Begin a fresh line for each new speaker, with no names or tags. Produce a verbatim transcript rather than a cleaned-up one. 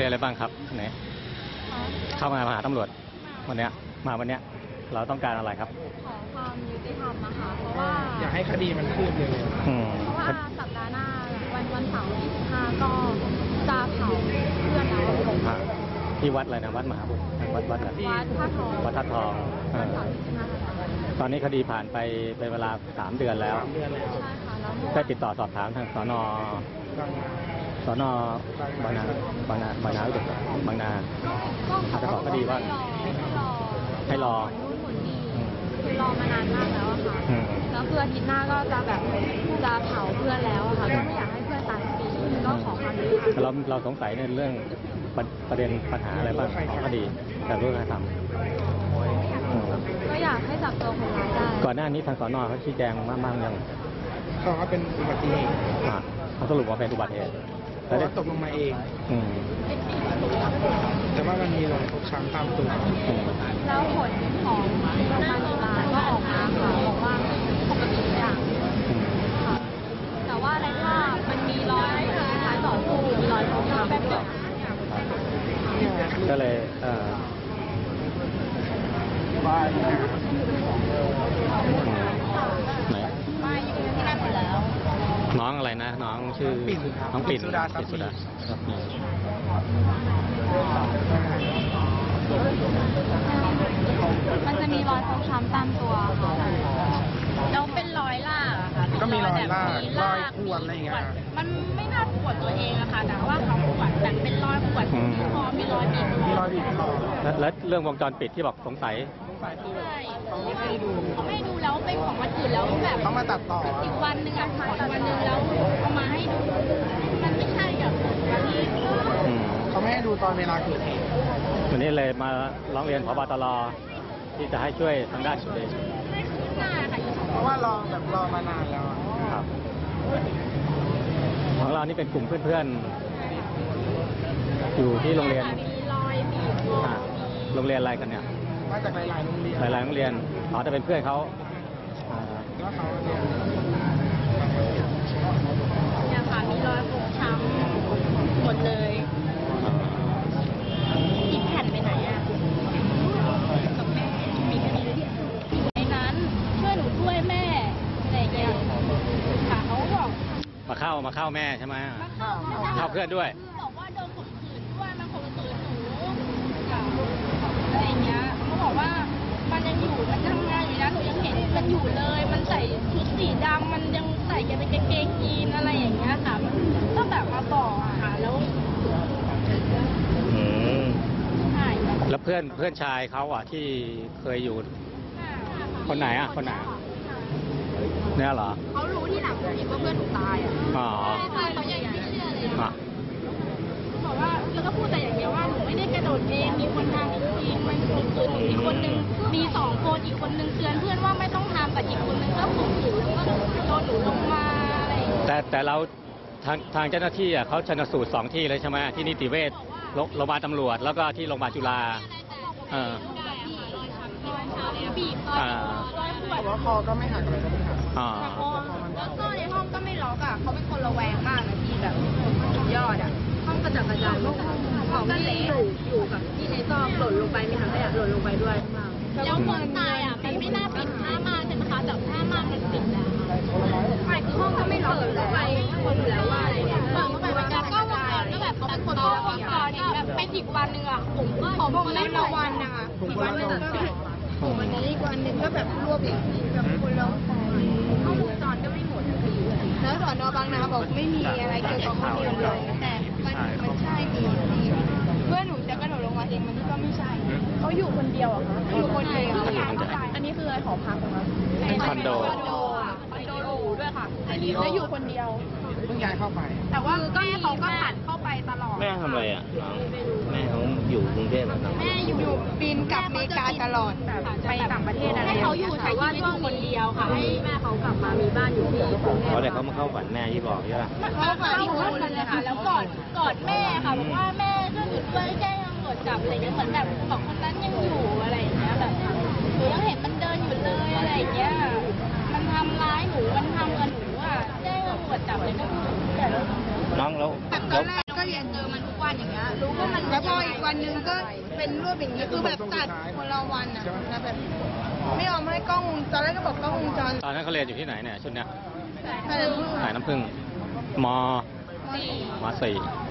เรียนอะไรบ้างครับไหนเข้ามาหาตำรวจวันเนี้ยมาวันเนี้ยเราต้องการอะไรครับ
ขอความยุติธรรมนะคะเพราะว่า
อยากให้คดีมันคืบเร็ว
เพราะว่าสัปดาห์หน้าวันวันเสาร์ที่สิบห้าก็จะเผาเพื่อนเรา
ที่วัดอะไรนะวัดมหาบุตรวัดวัดอะไร
วัดท่าทอง
วัดท่าทองตอนนี้คดีผ่านไปเป็นเวลาสามเดือนแล้ว
ใช่ค่ะแล้ว
ได้ติดต่อสอบถามทางสนสนบางนาบางนาบางนาบางนาอาจจะบอกคดีว่าให้รอ
คือรอมานานมากแล้วอะค่ะแล้วคืออาทิตย์หน้าก็จะแบบจะเผาเพื่อนแล้วอะค่ะก็ไม่อยากให้เพื่อนตายฟรีก็ขอความยุติธรรม
เราเราสงสัยในเรื่องประเด็นปัญหาอะไรบ้างของคดีแต่เรื่องการท
ำก็อยากให้จับตัวคนร้ายได้
ก่อนหน้านี้ทางสนเขาชี้แจงมากมากยัง
เขาว่าเป็นอุบัติเหตุ
เขาสรุปว่าเป็นอุบัติเหตุ
แต่ได้ตกลงมาเองแต่ว่ามันมีรอยฟกช้ำตามตัว
แล้วผลของโรงพยาบาลจุฬาก็ออกมาค่ะบอกว่าปกติทุกอย่างค่ะแต่ว่าในภาพมันมีรอยคล้ายต่อสู้มีรอยฟกช้ำแบบเดียว
ก็เลยเอ่อไหน
มาอยู่ที่นั่นหมดแล้ว
น้องอะไรนะน้องชื่อน้องปิ่นสุดาสุดา
มันจะมีรอยฟกช้ำตามตัวค่ะแล้วเป็นรอยลากอะค่ะ
ก็มีรอยลากรอยขวดอะไรอย่างเงี้ย
มันไม่น่าขวดตัวเองอะค่ะแต่ว่าเขาขวดแบบเป็นรอยขวดที่คอมีรอยบีบคอ
มีรอยบีบคอ
แล้วเรื่องวงจรปิดที่บอกสงสัย
ใช่เขาไม่ให้ดูเขาไม่ให้ดูแล้วเป็นของวันอื่นแล้วแบบ
เขามาตัดต่อ
อีกวันหนึ่งอะขออีกวันหนึ่งแล้วเอามาให้ดูมันไม่ใช่กับวันนี้
เขาไม่ให้ดูตอนเวลาเกิดเหตุ
วันนี้เลยมาร้องเรียนผบ.ตร.ที่จะให้ช่วยทางด้านคดี
เพราะว่ารอแบบรอมานานแล้ว
ครับของเรานี่เป็นกลุ่มเพื่อนๆอยู่ที่โรงเรียนโรงเรียนอะไรกันเนี่ย
มาจากหลายๆโรงเรียน
หลายๆโรงเรียนอ๋อจะเป็นเพื่อนเขา
แล้วเขาเรียน
เนี่ยค่ะมีรอยฟกช้ำหมดเลยอีกแผ่นไปไหนอ่ะกับแม่มีคดีอยู่ในนั้นช่วยหนูด้วยแม่อะไรอย่างเงี้ยค่ะเขาบอก
มาเข้ามาเข้าแม่ใช่ไหมมาเข้าเข้าเพื่อนด้วย
บอกว่าโดนข่มขืนด้วยมันข่มขืนหนูอะไรอย่างเงี้ยเขาบอกว่ามันยังอยู่มันทำงานอยู่นะหนูยังเห็นมันอยู่เลยมันใส่ชุดสีดำมันยังใส่ยังเป็นกางเกงยีนอะไรอย่างเงี้ยค่ะมันก็แบบมาบอกอะค่ะแล้วใช่
แล้วเพื่อนเพื่อนชายเขาอ่ะที่เคยอยู่คนไหนอ่ะคนไหนเนี่ยเหรอ
เขารู้ที่หลังผมว่าเพื่อนหนูตายอ่ะ
อ๋อ
ใช่เขายังไม่เชื่อเลยบอกว่าแล้วก็พูดแต่อย่างเดียวว่าหนูไม่ได้กระโดดเองมีคนทำจริงๆมันข่มขืนหนูอีกคนนึงมีสองคนอีกคนนึงเตือนเพื่อนว่าไม่ต้องทำแต่อีกคนนึงก็ข่มขืนแล้วก็โดนหนูลงมาอะไร
แต่แต่เราทางทางเจ้าหน้าที่อ่ะเขาชันสูตรสองที่เลยใช่ไหมที่นิติเวชโรงพยาบาลตำรวจแล้วก็ที่โรงพยาบาลจุฬาเออ
บีบรอยขวด
แล้วคอก็ไม่หักเลยนะ
อ๋อ
แล้วก็ในห้องก็ไม่ล็อกอ่ะเขาเป็นคนระแวงมากนะพี่แบบสุดยอดอ่ะห้องกระจัดกระจายของที่อยู่อยู่กับที่ในซอกหล่นลงไปมีถังขยะหล่นลงไปด้วยแล้วคนตายอ่ะมันไม่น่าปิดผ้าม่านใช่ไหมคะแต่ผ้าม่านมันปิดแล้วไม่คือห้องก็ไม่ล็อกเลยไปคนอยู่แล้วว่าอะไรเนี่ยเปิดเข้าไปมันก็ก็ก็แบบเขาเป็นคนล็อกก่อนแบบเป็นอีกวันหนึ่งอ่ะผมก็ผมไม่ละวันนะคะอีกวันหนึ่งผมวันนี้อีกวันหนึ่งก็แบบรวบอีกแบบคนละข้อมูลจรก็ไม่หมดแล้วสอนอบางนาบอกไม่มีอะไรเกี่ยวกับข้อมูลเลยแต่มันมันใช่ดีเพื่อนหนูจะกระโดดลงมาเองมันก็ไม่ใช่เขาอยู่คนเดียวอ่ะคะอยู่คนเดียวอันนี้คืออะไรหอพักเหรอคะ
เป็นคอนโด
คอนโดอ่ะคอนโดหรูด้วยค่ะแล้วอยู่คนเดียว
เพิ่งย้ายเข้าไป
แต่ว่าแม่เขาก็ผ่านเข้าไปตลอด
แม่ทำอะไรอ่ะแม่เขาอยู่กรุงเทพหรอ
แม่อยู่ปีนกลับอเมริกาตลอดไปต่างประเทศอะไรให้เขาอยู่แต่ว่าช่วงคนเดียวค่ะให้แม่เขากลับมามีบ้านอยู่ที่กรุงเทพ
เขาเลยเขามาเข้าฝันแม่ที่บอกใช่ไหม
เขามาที่คนเลยค่ะแล้วกอดกอดแม่ค่ะบอกว่าแม่ก็หยุดด้วยแจ้งตำรวจจับอะไรเงี้ยเหมือนแบบบอกคนนั้นยังอยู่อะไรอย่างเงี้ยแบบหนูยังเห็นมันเดินอยู่เลยอะไรอย่างเงี้ยมันทำร้ายหนูมันทำกับหนูอ่ะแจ้งตำรวจจับเลยก็คือแต่
น้องแล้ว
ตอนแรกก็ก็เรียนเจอมันทุกวันอย่างเงี้ยรู้ว่ามันแล้วพออีกวันหนึงก็เป็นรูปอย่างเงี้ยคือแบบตัดคนละวันอ่ะแล้วแบบไม่ยอมให้กล้องวงจรตอนแรกก็บอกกล้องวงจร
ตอนนั้นเขาเรียนอยู่ที่ไหนเนี่ยชุดเนี้ย
แต่
สายน้ำผึ้งม
สี่
มสี่